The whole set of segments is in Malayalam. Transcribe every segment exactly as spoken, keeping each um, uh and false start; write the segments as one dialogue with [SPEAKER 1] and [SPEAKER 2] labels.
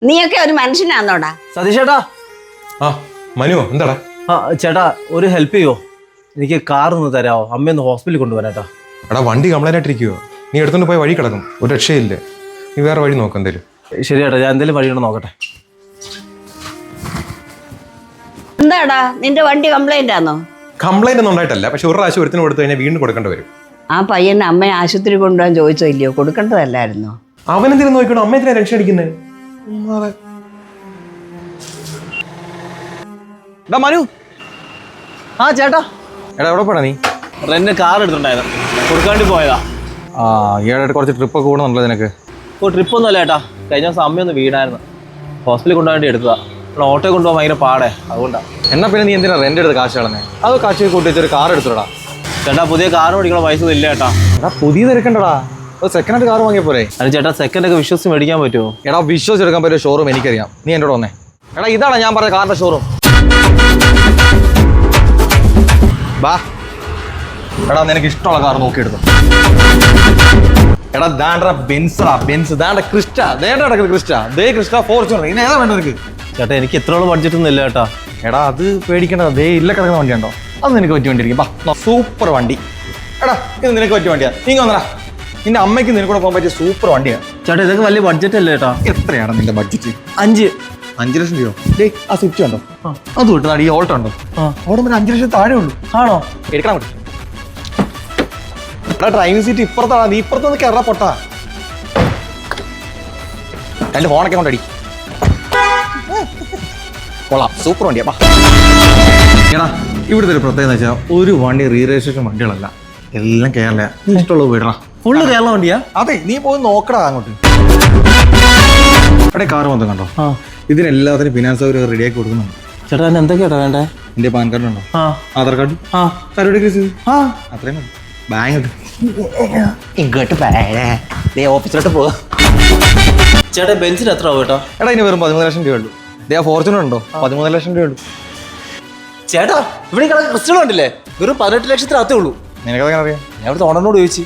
[SPEAKER 1] നീയൊക്കെ ഒരു മനുഷ്യനാന്നോടാ?
[SPEAKER 2] സതീഷ് ചേട്ടാ.
[SPEAKER 3] ആ മനു എന്താടാ?
[SPEAKER 2] ആ ചേട്ടാ ഒരു ഹെൽപ്പ് ചെയ്യോ? എനിക്ക് കാർ ഒന്ന് തരാമോ? അമ്മയൊന്ന് ഹോസ്പിറ്റലിൽ കൊണ്ടുപോകാനായിട്ടാ.
[SPEAKER 3] എടാ വണ്ടി കംപ്ലൈന്റ് ആയിട്ടിരിക്കുവോ? നീ എടുത്തോണ്ട് പോയി വഴി കിടക്കും, ഒരു രക്ഷയില്ല. നീ വേറെ വഴി നോക്കാം എന്തേലും.
[SPEAKER 2] ശരി ചേട്ടാ, ഞാൻ എന്തെങ്കിലും വഴിയുണ്ടോ നോക്കട്ടെ.
[SPEAKER 1] എന്താടാ നിന്റെ വണ്ടി കംപ്ലൈന്റ് ആണോ?
[SPEAKER 3] കംപ്ലൈന്റ് ഒന്നും ഉണ്ടായിട്ടല്ല, പക്ഷെ ഒരു പ്രാവശ്യം ഒരുത്തിന് കൊടുത്തു കഴിഞ്ഞാൽ വീണ്ടും കൊടുക്കേണ്ടി വരും.
[SPEAKER 1] ആ പയ്യനെ അമ്മയെ ആശുപത്രി കൊണ്ടുപോകാൻ ചോദിച്ചില്ലയോ? കൊടുക്കേണ്ടതല്ലായിരുന്നോ?
[SPEAKER 3] അവനെന്തിനും നോക്കണം, അമ്മ എന്തിനാ ടെൻഷൻ അടിക്കുന്നത്?
[SPEAKER 2] മനു. ആ ചേട്ടാ.
[SPEAKER 3] എടാ എവിടെ പോടാ നീ?
[SPEAKER 2] റെന്റ് കാർ എടുത്തിട്ടുണ്ടായിരുന്നു, കൊടുക്കാണ്ടി പോയതാ.
[SPEAKER 3] ആ ഈയിടെ കുറച്ച് ട്രിപ്പ് ഒക്കെ കൂടുന്നുണ്ടല്ലോ നിനക്ക്.
[SPEAKER 2] ഓ ട്രിപ്പ് ഒന്നും അല്ല ചേട്ടാ, കഴിഞ്ഞ ദിവസം അമ്മയൊന്ന് വീണായിരുന്നു, ഹോസ്പിറ്റലിൽ കൊണ്ടുപോകാൻ വേണ്ടി എടുത്തതാ. ഓട്ടോ കൊണ്ടുപോകാൻ ഭയങ്കര പാടേ, അതുകൊണ്ടാ.
[SPEAKER 3] എന്നാ പിന്നെ നീ എന്തിനാ റെന്റ് എടുത്ത് കാശ് കളഞ്ഞേ? അതോ കാശ് കൂട്ടി വെച്ചൊരു കാർ എടുത്തോടാ.
[SPEAKER 2] ചേട്ടാ പുതിയ കാർ മേടിക്കണ പൈസ ഇല്ല ചേട്ടാ.
[SPEAKER 3] എടാ പുതിയത് എടുക്കണ്ടടാ, ഒരു സെക്കൻഡ് ഹാൻഡ് കാർ വാങ്ങിയ പോരെ.
[SPEAKER 2] അത് ചേട്ടാ സെക്കൻഡ് ഒക്കെ വിശ്വസിച്ച് മേടിക്കാൻ പറ്റുമോ?
[SPEAKER 3] എടാ വിശ്വസിച്ചെടുക്കാൻ പറ്റിയ ഷോറൂം എനിക്കറിയാം, നീ എന്നോട് വന്നേ. എടാ ഇതാണ് ഞാൻ പറഞ്ഞ കാറിന്റെ ഷോറൂം. ബാ എടാ നിനക്ക് ഇഷ്ടമുള്ള കാർ നോക്കിയെടുത്തു. എടാ ദാണ്ട ബെൻസറാ, ബെൻസ്. ദാണ്ട ക്രിസ്റ്റ, ദേണ്ട കിടക്കുന്നത് ക്രിസ്റ്റ, ദേ ക്രിസ്റ്റ ഫോർച്യൂണർ. ഇനി ഏതാ വേണ്ട നിനക്ക്?
[SPEAKER 2] ചേട്ടാ എനിക്ക് എത്രയോളം ബഡ്ജറ്റ് ഒന്നും ഇല്ല ചേട്ടാ.
[SPEAKER 3] എടാ അത് പേടിക്കേണ്ടത്, ദേ ഇല്ല കിടക്കുന്ന വണ്ടി ഉണ്ടോ? അത് നിനക്ക് പറ്റിയ വണ്ടി ഇരിക്കും. ബാ സൂപ്പർ വണ്ടി. എടാ ഇത് നിനക്ക് പറ്റിയ വണ്ടിയാ, നീ വന്നടാ. നിന്റെ അമ്മയ്ക്ക് നിനക്കൂടെ പോകാൻ പറ്റിയ സൂപ്പർ വണ്ടിയാണ്.
[SPEAKER 2] ചേട്ടാ ഇതൊക്കെ വലിയ ബഡ്ജറ്റ് അല്ലേ ചേട്ടാ?
[SPEAKER 3] എത്രയാണ് നിന്റെ ബഡ്ജറ്റ്?
[SPEAKER 2] അഞ്ച്
[SPEAKER 3] അഞ്ചു ലക്ഷം രൂപ. ഡേ ആ സ്വിച്ച് ഉണ്ടോ? അത് വിട്ടു. ഈ ഓൾട്ടോ ഉണ്ടോ? ഓടുമ്പോ അഞ്ചു ലക്ഷം താഴെ ഉള്ളൂ.
[SPEAKER 2] ആണോ?
[SPEAKER 3] എടുക്കണം പറ്റും. എടാ ഡ്രൈവിംഗ് സീറ്റ് ഇപ്പുറത്താണ്, നീ ഇപ്പുറത്തൊന്ന് കയറാ പൊട്ടാ. രണ്ട് ഫോണൊക്കെ കൊണ്ടടി. കൊള്ളാം, സൂപ്പർ വണ്ടിയാ. എടാ ഇവിടുത്തെ ഒരു പ്രത്യേകത വെച്ചാൽ ഒരു വണ്ടി റീ രജിസ്ട്രേഷൻ വണ്ടികളല്ല, എല്ലാം കേരള. നീ ഇഷ്ടമുള്ളത് വീടണം.
[SPEAKER 2] ഫുള്ള് കേരള വണ്ടിയാ?
[SPEAKER 3] അതെ, നീ പോയി നോക്കടാ അങ്ങോട്ട്. അവിടെ കാർ മൊത്തം കണ്ടോ? ഇതിനെല്ലാത്തിനും ഫിനാൻസ് അവർ റെഡിയാക്കി കൊടുക്കുന്നുണ്ട്.
[SPEAKER 2] ചേട്ടാ എന്നെ എന്തൊക്കെയാ വേണ്ടേ?
[SPEAKER 3] എന്റെ പാൻ കാർഡ് ഉണ്ടോ? ആധാർ കാർഡ്, അത്രയും മതി. ബാങ്ക് ഇങ്ങോട്ട് ഓഫീസിലോട്ട് പോവാ.
[SPEAKER 2] ചേട്ടാ ബെൻസിന് എത്ര ആവും ചേട്ടാ?
[SPEAKER 3] എടാ ഇനി വെറും പതിമൂന്ന് ലക്ഷം രൂപ ഉള്ളൂ. ദേ ഫോർച്യൂണർ ഉണ്ടോ? പതിമൂന്ന് ലക്ഷം രൂപ ഉള്ളൂ.
[SPEAKER 2] ചേട്ടാ ഇവിടെ ക്രിസ്റ്റൽ കണ്ടില്ലേ, വെറും പതിനെട്ട് ലക്ഷത്തിനകത്തേ ഉള്ളൂ.
[SPEAKER 3] നിനക്കതെങ്ങനെ അറിയാം?
[SPEAKER 2] ഞാൻ ഇവിടുത്തെ ഓണറിനോട് ചോദിച്ചു.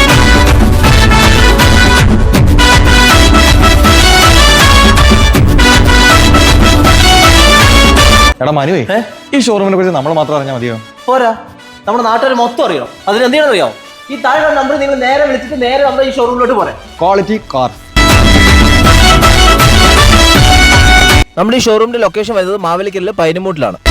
[SPEAKER 3] എടാ മനുവേ, ഈ ഷോറൂമിനെ കുറിച്ച് നമ്മൾ മാത്രം അറിഞ്ഞാൽ മതിയോ?
[SPEAKER 2] പോരാ, നമ്മുടെ നാട്ടുകാർ മൊത്തം അറിയണം. അതിന് എന്തെങ്കിലും അറിയാമോ? ഈ താഴെ നമ്പർ നിങ്ങൾ നേരെ വിളിച്ചിട്ട് നേരെ നമ്മുടെ ഈ ഷോറൂമിലോട്ട് പോരെ.
[SPEAKER 3] Quality car.
[SPEAKER 2] നമ്മുടെ ഈ ഷോറൂമിന്റെ ലൊക്കേഷൻ വരുന്നത് മാവേലിക്കലിലെ പൈനമൂട്ടിലാണ്.